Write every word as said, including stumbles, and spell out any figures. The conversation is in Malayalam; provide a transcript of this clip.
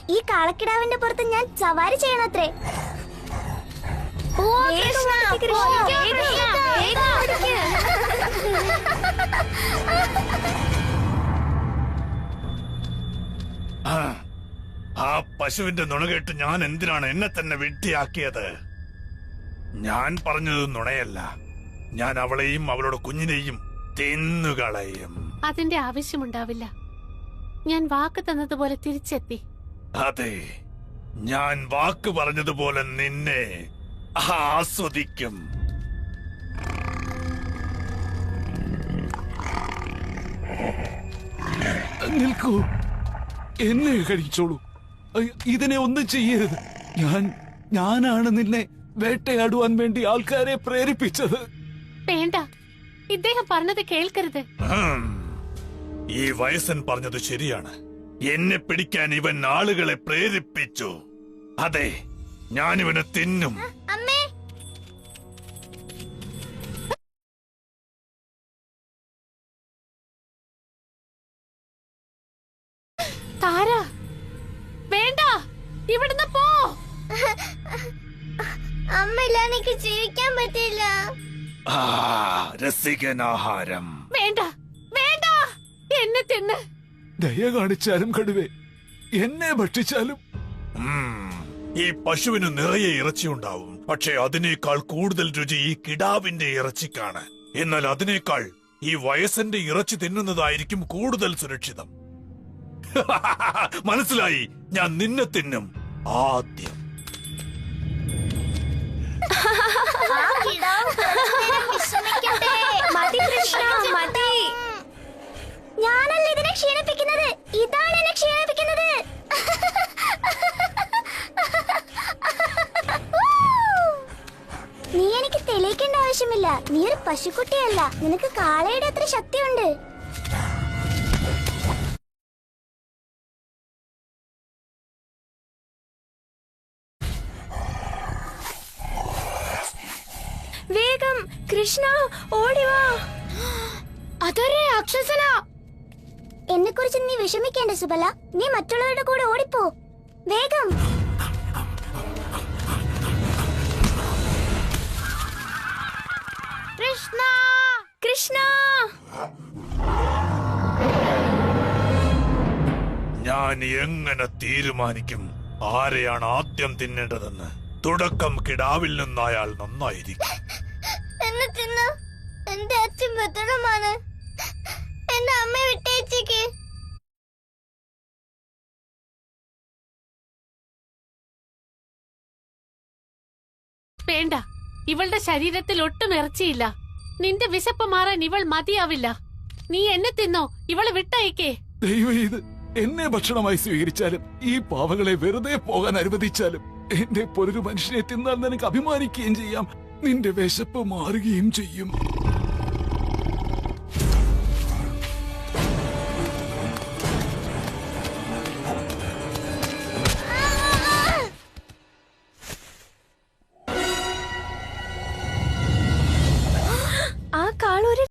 ഈ കാളക്കിടാവിന്റെ പുറത്ത് ഞാൻ സവാരി ചെയ്യണത്രേ. ആ പശുവിന്റെ നുണകേട്ട് ഞാൻ എന്തിനാണ് എന്നെ തന്നെ വെട്ടിയാക്കിയത്? ഞാൻ പറഞ്ഞത് നുണയല്ല. ഞാൻ അവളെയും അവളുടെ കുഞ്ഞിനെയും തിന്നുകളയും. അതിന്റെ ആവശ്യമുണ്ടാവില്ല. ഞാൻ വാക്ക് തന്നതുപോലെ തിരിച്ചെത്തി. അതെ, ഞാൻ വാക്ക് പറഞ്ഞതുപോലെ നിന്നെ ആസ്വദിക്കും. നിൽക്കൂ, എന്നെ കഴിച്ചോളൂ. ഇതിനെ ഒന്നും ചെയ്യരുത്. ഞാൻ ഞാനാണ് നിന്നെ വേട്ടയാടുവാൻ വേണ്ടി ആൾക്കാരെ പ്രേരിപ്പിച്ചത്. വേണ്ട, ഇദ്ദേഹം പറഞ്ഞത് കേൾക്കരുത്. ഈ വയസ്സൻ പറഞ്ഞത് ശരിയാണ്. എന്നെ പിടിക്കാൻ ഇവൻ ആളുകളെ പ്രേരിപ്പിച്ചു. അതെ, ഞാനിവനെ തിന്നും. അമ്മേ, താര, വേണ്ട, ഇവിടുന്ന് പോ. അമ്മയില്ല, എനിക്ക് ജീവിക്കാൻ പറ്റില്ല. രസികനാഹാരം വേണ്ട, വേണ്ട, എന്നെ തിന്ന്. ദയ കാണിച്ചാലും കടുവേ, എന്നെ ഭക്ഷിച്ചാലും. ഈ പശുവിന് നിറയെ ഇറച്ചിയുണ്ടാവും. പക്ഷെ അതിനേക്കാൾ കൂടുതൽ രുചി ഈ കിടാവിന്റെ ഇറച്ചിക്കാണ്. എന്നാൽ അതിനേക്കാൾ ഈ വയസ്സന്റെ ഇറച്ചി തിന്നുന്നതായിരിക്കും കൂടുതൽ സുരക്ഷിതം. മനസ്സിലായി? ഞാൻ നിന്നെ തിന്നും ആദ്യം. ഞാനല്ല ഇതിനെ ക്ഷീണിപ്പിക്കുന്നത്, ഇതാണ് എന്നെ ക്ഷീണിപ്പിക്കുന്നത്. നീ എനിക്ക് തെളിയിക്കേണ്ട ആവശ്യമില്ല. നീ ഒരു പശുക്കുട്ടിയല്ല. നിനക്ക് കാളയുടെ അത്ര ശക്തിയുണ്ട്. വേഗം കൃഷ്ണ, ഓടിവാ. അതൊരു രാക്ഷസന. എന്നെ കുറിച്ച് നീ വിഷമിക്കേണ്ട സുബല. നീ മറ്റുള്ളവരുടെ കൂടെ ഓടിപ്പോ. വേഗം. കൃഷ്ണ, കൃഷ്ണ. ഞാൻ എങ്ങനെ തീരുമാനിക്കും ആരെയാണ് ആദ്യം തിന്നേണ്ടതെന്ന്? തുടക്കം കിടാവിൽ നിന്നായാൽ നന്നായിരിക്കും. എന്നെ തിന്ന എന്റെ അച്ഛൻ ഭദ്രമാണ്. എന്റെ അമ്മയെ വിട്ടേച്ചേക്ക്. വേണ്ട, ഇവളുടെ ശരീരത്തിൽ ഒട്ടും ഇറച്ചിയില്ല. നിന്റെ വിശപ്പ് മാറാൻ ഇവൾ മതിയാവില്ല. നീ എന്നെ തിന്നോ, ഇവളെ വിട്ടയക്കേ. ദൈവം, ഇത് എന്നെ ഭക്ഷണമായി സ്വീകരിച്ചാലും ഈ പാവകളെ വെറുതെ പോകാൻ അനുവദിച്ചാലും എന്റെ പോലൊരു മനുഷ്യനെ തിന്നാൽ നിനക്ക് അഭിമാനിക്കുകയും ചെയ്യാം. നിന്റെ വിശപ്പ് മാറുകയും ചെയ്യും.